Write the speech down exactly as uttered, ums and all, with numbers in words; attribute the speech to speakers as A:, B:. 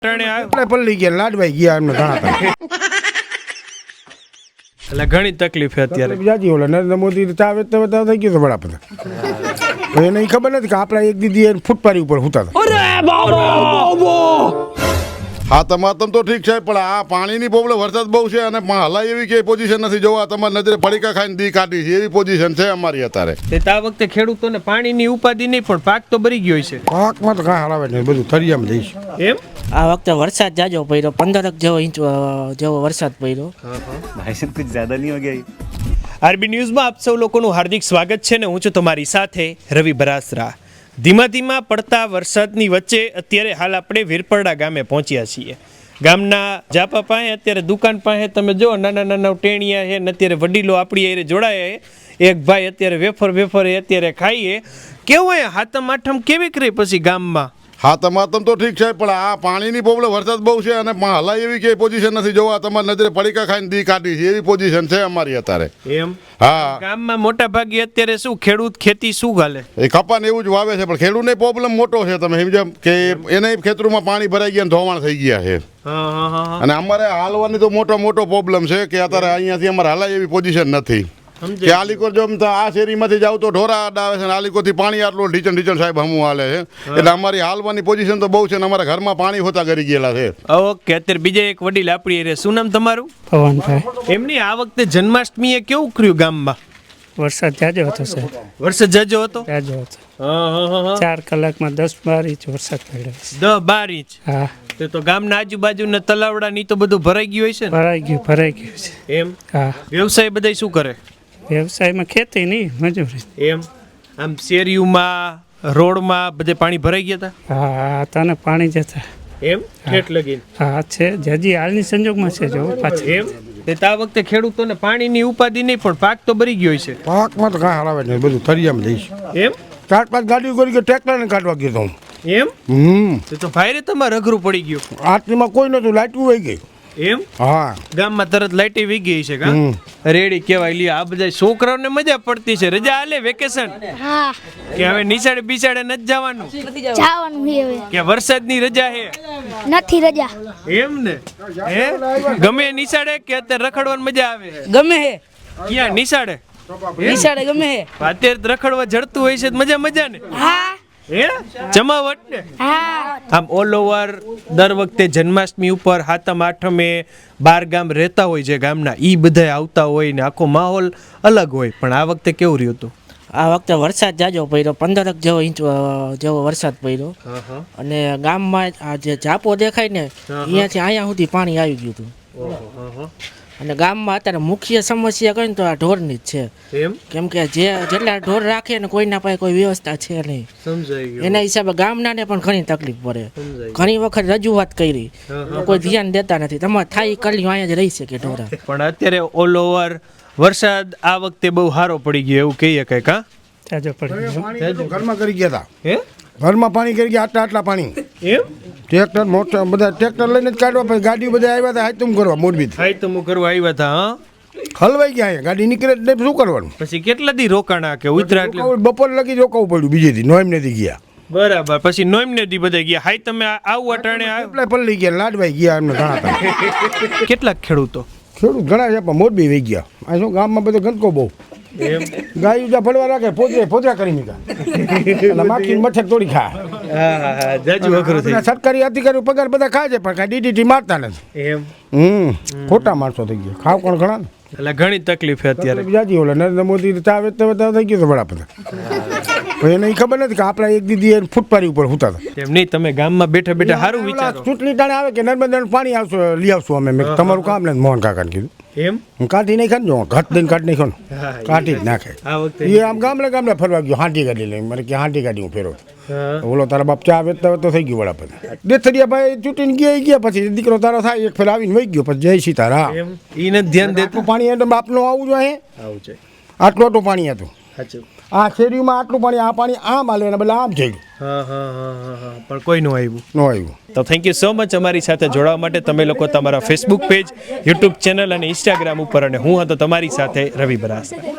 A: પલ્લી ગયા લાડવાઈ ગયા એમને ઘણા
B: એટલે ઘણી તકલીફ છે અત્યારે.
A: જાજી ઓલા નરેન્દ્ર મોદી ચા વેચતા વેચતા થઈ ગયો વડાપ્રધાન. એને ખબર નથી કે આપણા એક દીદી એને ફૂટપારી ઉપર હુતા હતા.
C: હા તમારે તો ઠીક છે પણ આ પાણીની પ્રોબ્લેમ વરસાદ બહુ છે અને હલાય એવી કે પોઝિશન નથી જોવા તમારી નજરે પડીકા ખાઈને દી કાઢી છે એવી પોઝિશન છે અમારી અત્યારે.
B: આ વખતે ખેડૂતોને પાણીની ઉપાધિ નહીં પણ પાક તો ભરી ગયો છે.
A: પાકમાં તો કાંઈ હલાવે નહીં, બધું થરિયામાં જઈશ.
B: એમ
D: આ વખતે વરસાદ જાજો પડ્યો, પંદરક જેવો ઇંચ જેવો વરસાદ પડ્યો.
E: ભાઈ સાહેબ કુછ જ્યાદા નહીં હો ગયા.
B: આરબી ન્યૂઝમાં આપ સૌ લોકોનું હાર્દિક સ્વાગત છે ને હું છું તમારી સાથે રવિ બરાસરા. ધીમા ધીમા પડતા વરસાદની વચ્ચે અત્યારે હાલ આપણે વીરપરડા ગામે પહોંચ્યા છીએ. ગામના જાપા પાસે અત્યારે દુકાન પાસે તમે જો નાના નાના ટેણિયા છે ને અત્યારે વડીલો આપણી એ જોડાયા છે. એક ભાઈ અત્યારે વેફર વેફર એ અત્યારે ખાઈએ. કેવું હોય હાથમ આઠમ કેવી કરી પછી ગામમાં?
C: હા તમારે તો ઠીક છે પણ આ પાણીની પ્રોબ્લેમ વરસાદ બહુ છે અને હલાય એવી કે પોઝિશન નથી જોવા તમારી નજરે પડીકા ખાઈને દી કાઢી છે એવી પોઝિશન છે અમારી અત્યારે.
B: એમ
C: હા
B: ગામમાં મોટા ભાગે અત્યારે શું ખેડૂત ખેતી શું ગાલે
C: એ કપાને એવું જ વાવે છે પણ ખેડૂતને પ્રોબ્લેમ મોટો છે. તમે સમજો કે એને ખેતરોમાં પાણી ભરાઈ ગયા ધોવાણ થઈ ગયા છે અને અમારે હાલવાની તો મોટો મોટો પ્રોબ્લેમ છે કે અત્યારે અહીંયાથી અમારે હલાય એવી પોઝિશન નથી. કે આલીકોર જો આ શેરીમાંથી જાવ તો ઢોરા આવે છે આલીકોરથી પાણી આટલું ઢીચણ ઢીચણ સાહેબ હમું હાલે છે એટલે અમારી હાલવાની પોઝિશન તો બહુ છે ને અમારા ઘરમાં પાણી હોતા કરી ગયેલા છે.
B: ઓકે અત્યારે બીજા એક વડીલ આપણી રે શું નામ તમારું?
D: પવનભાઈ.
B: એમની આ વખતે જન્માષ્ટમીએ કેવું કર્યું ગામમાં?
D: વરસાદ જાજો હતો સાહેબ,
B: વરસાદ જાજો હતો.
D: જાજો હતો. ચાર કલાકમાં દસ બાર ઇંચ વરસાદ પડ્યો.
B: દસ બાર ઇંચ?
D: હા.
B: તો ગામના આજુબાજુના તલાવડા ની તો બધું ભરાઈ ગયું હોય છે ને?
D: ભરાઈ ગયું ભરાઈ ગયું છે.
B: એમ?
D: હા.
B: વ્યવસાય બધા શું કરે?
D: વ્યવસાયમાં ખેતી નહીં, મજૂરી.
B: એમ? આમ શેરીઓમાં રોડમાં બધે પાણી ભરાઈ ગયા હતા?
D: હા તને પાણી જતા.
B: એમ? ઠેઠ લગીને?
D: હા છે, હજી હાલની સંજોગમાં છે જો પાછું.
B: એમ? તે આ વખતે ખેડૂતોને પાણીની ઉપાધિ નહીં પણ પાક તો ભરી ગયો છે.
A: પાકમાં તો કાંઈ હલાવે નહીં, બધું થરિયામાં જઈશ.
B: એમ?
A: ચાર પાંચ ગાડીઓ કરી કે ટ્રેક્ટરને કાઢવા ગયો તો હું.
B: એમ?
A: હમ
B: તો ભાઈ રે તમારે અઘરું પડી ગયું.
A: આટલીમાં કોઈ નતું, લાઈટું વહી ગઈ.
B: એમ?
A: હા
B: ગામમાં તરત લાઈટી વી ગઈ છે કા? રેડી કહેવાય. લ્યો આ બધા છોકરાઓને મજા પડતી છે, રજા આલે વેકેશન
F: હા
B: કે હવે નિશાળે બિસાડે નથી જવાનું
F: જવાનું છે હવે
B: કે વરસાદની રજા હે?
F: નથી રજા.
B: એમ ને? હે ગમે નિશાળે કે અત્યારે રખડવાની મજા આવે?
G: ગમે હે
B: ક્યાં નિશાળે?
G: નિશાળે ગમે હે.
B: અત્યારે રખડવા જડતું હોય છે તો મજા મજા ને?
F: હા
B: હે જમાવટ ને?
F: હા
B: આમ ઓલ ઓવર દર વખતે જન્માષ્ટમી ઉપર હાતમ આઠમે બાર ગામ રહેતા હોય છે ગામના, ઈ બધા આવતા હોય ને આખો માહોલ અલગ હોય. પણ આ વખતે કેવું રહ્યું હતું?
D: આ વખતે વરસાદ જાજો પડ્યો, પંદરક જેવો ઇંચ જેવો વરસાદ પડ્યો. અને ગામમાં આ જે જાપો દેખાય ને અહીંયાથી અહીંયા સુધી પાણી આવી ગયું હતું. અને ગામમાં અત્યારે મુખ્ય સમસ્યા કઈ ને તો આ ઢોરની જ છે.
B: એમ?
D: કેમ કે જે જેટલા ઢોર રાખે ને કોઈના પાસે કોઈ વ્યવસ્થા છે નહીં.
B: સમજાઈ ગયું.
D: એના હિસાબે ગામનાને પણ ઘણી તકલીફ પડે. ઘણી વખત રજૂઆત કરી તો કોઈ ધ્યાન દેતા નથી. તમારે થાય કરી અહીંયા જ રહી શકે ઢોરા.
B: પણ અત્યારે ઓલ ઓવર વરસાદ આ વખતે બહુ સારો પડી ગયો એવું કહીએ કઈ કા?
D: જાજો પડી ગયો.
A: ઘરમાં કરી ગયા હતા.
B: હે
A: ઘરમાં પાણી કરી ગયા આટલા આટલા પાણી.
B: એમ?
A: ટ્રેક્ટર મોટા બધા ટ્રેક્ટર લઈને જ કાઢવા, પછી ગાડીઓ બધા આવ્યા હતા હાથમ કરવા મોરબી.
B: થાય તો હું કરવા આવ્યા હતા. હા
A: હલવાઈ ગયા અહીંયા ગાડી નીકળે એટલે શું કરવાનું?
B: પછી કેટલા દી રોકાણા કે ઉતરા એટલે?
A: બપોર લગી રોકાવું પડ્યું, બીજે દી નોઈમ નથી ગયા.
B: બરાબર. પછી નોઈમ ને દી બધા ગયા. હાઈ તમે આવું અટાણે
A: એટલે પલ્લી ગયા લાડવાઈ ગયા એમને ઘણા હતા.
B: કેટલાક ખેડૂતો
A: ખેડૂત ઘણા છે પણ મોરબી વહી ગયા. આ શું ગામમાં બધો ગંદકો બહુ.
B: એમ?
A: ગાયું જ્યાં ફળવા રાખે પોતરે પોતરા કરી નીકળ્યા એટલે માખી મચ્છર તોડી ખાય.
B: હા હા હા જાજુ અઘરું થઈ.
A: સરકારી અધિકારીઓ પગાર બધા ખાય છે પણ કાંઈ ડીડીટી મારતા નથી.
B: એમ?
A: હમ ખોટા માણસો થઈ ગયા. ખાવ કોણ ઘણા ને
B: એટલે ઘણી તકલીફ છે અત્યારે.
A: જાજી ઓલા નરેન્દ્ર મોદી ચા વેચતા વેચતા થઈ ગયો વડાપ્રધાન. એને ખબર નથી કે આપણા એક દીદી એને ફૂટપારી ઉપર હુતા હતા.
B: એમ નહીં, તમે ગામમાં બેઠા બેઠા સારું વિચારો.
A: ચૂંટણી ટાણે આવે કે નર્મદાનું પાણી આવશે લઈ આવશું અમે. મેં તમારું કામ નથી મોહન કાકાને કીધું.
B: એમ?
A: હું કાઢી નહીં ખાને જો ઘટ દઈને કાઢી નાખો ને કાઢી જ નાખે.
B: આ વખતે
A: એ આમ ગામડે ગામડે ફરવા ગયો, હાંટી ગાડી લઈને. મને કે હાંટી ગાડી હું ફેરવ.
B: હા.
A: ઓલો તારા બાપ ચા વેચતા વેચતો થઈ ગયો વડાપ્રધાન. દેથડિયા ભાઈ ચૂંટીને ગયા ગયા પછી દીકરો તારો થાય એક ફેર આવીને વહી ગયો. પછી જય સીતારામ.
B: એમ? ઈ નથી ધ્યાન દેતું.
A: આટલું પાણી એટલે બાપનું આવવું જોઈએ.
B: આવું છે.
A: આટલું આટલું પાણી હતું.
B: સાચું.
A: આ શેરીમાં આટલું પાણી, આ પાણી આમ હાલે એના બદલે આમ થઈ ગયું.
B: હા હા હા હા હા પણ કોઈ નું આવ્યું
A: ન આવ્યું.
B: તો થેન્ક યુ સો મચ અમારી સાથે જોડાવા માટે. તમે લોકો તમારા ફેસબુક પેજ, યુટ્યુબ ચેનલ અને ઇન્સ્ટાગ્રામ ઉપર, અને હું હતો તમારી સાથે રવિ બરાસરા.